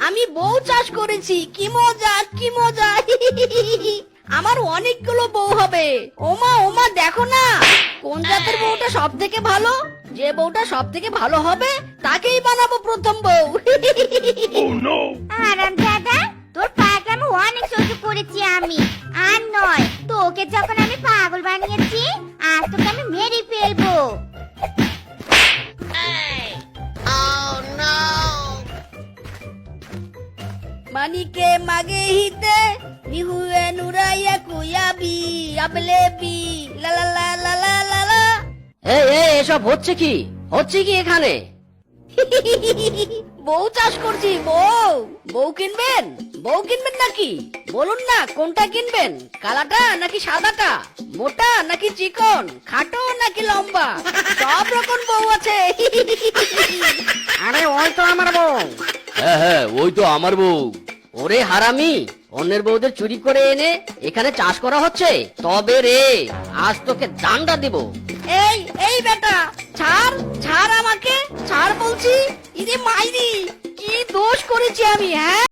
আমি বউ চাষ করেছি, কি মজা কি মজা। আমার অনেকগুলো বউ হবে। ওমা ওমা, দেখো না কোন জাতের বউটা সব থেকে ভালো। যে বউটা সব থেকে ভালো হবে তাকেই বানাবো প্রথম বউ। আরাম দাদা, তোর পাগলামো অনেক সহ্য করেছি আমি। আর নয়, তোকে যখন আমি পাগল বানিয়েছি, আজ তোকে আমি মেরে ফেলবো। মানিকে মাগে হিতে নিহুয়ে নুরাইয়া কুয়াবি আবলেবি লা লা লা লা লা লা লা। এই এই এসব হচ্ছে কি এখানে? বউ চাষ করছি। বউ বউ কিনবেন? বউ কিনবেন নাকি? বলুন না কোনটা কিনবেন, কালাটা নাকি সাদাটা, মোটা নাকি চিকন, খাটো নাকি লম্বা, সব রকম বউ আছে। আরে ওই তো আমার বউ। হ্যাঁ হ্যাঁ, ওই তো আমার বউ। ওরে হারামি, অন্যের বউদের চুরি করে এনে এখানে চাষ করা হচ্ছে। তবে রে, আজ তোকে দান্ডা দিব। এই এই বেটা, ছাড় ছাড় আমাকে, ছাড় বলছি। ইরে মাইরি, কি দোষ করেছি আমি? হ্যাঁ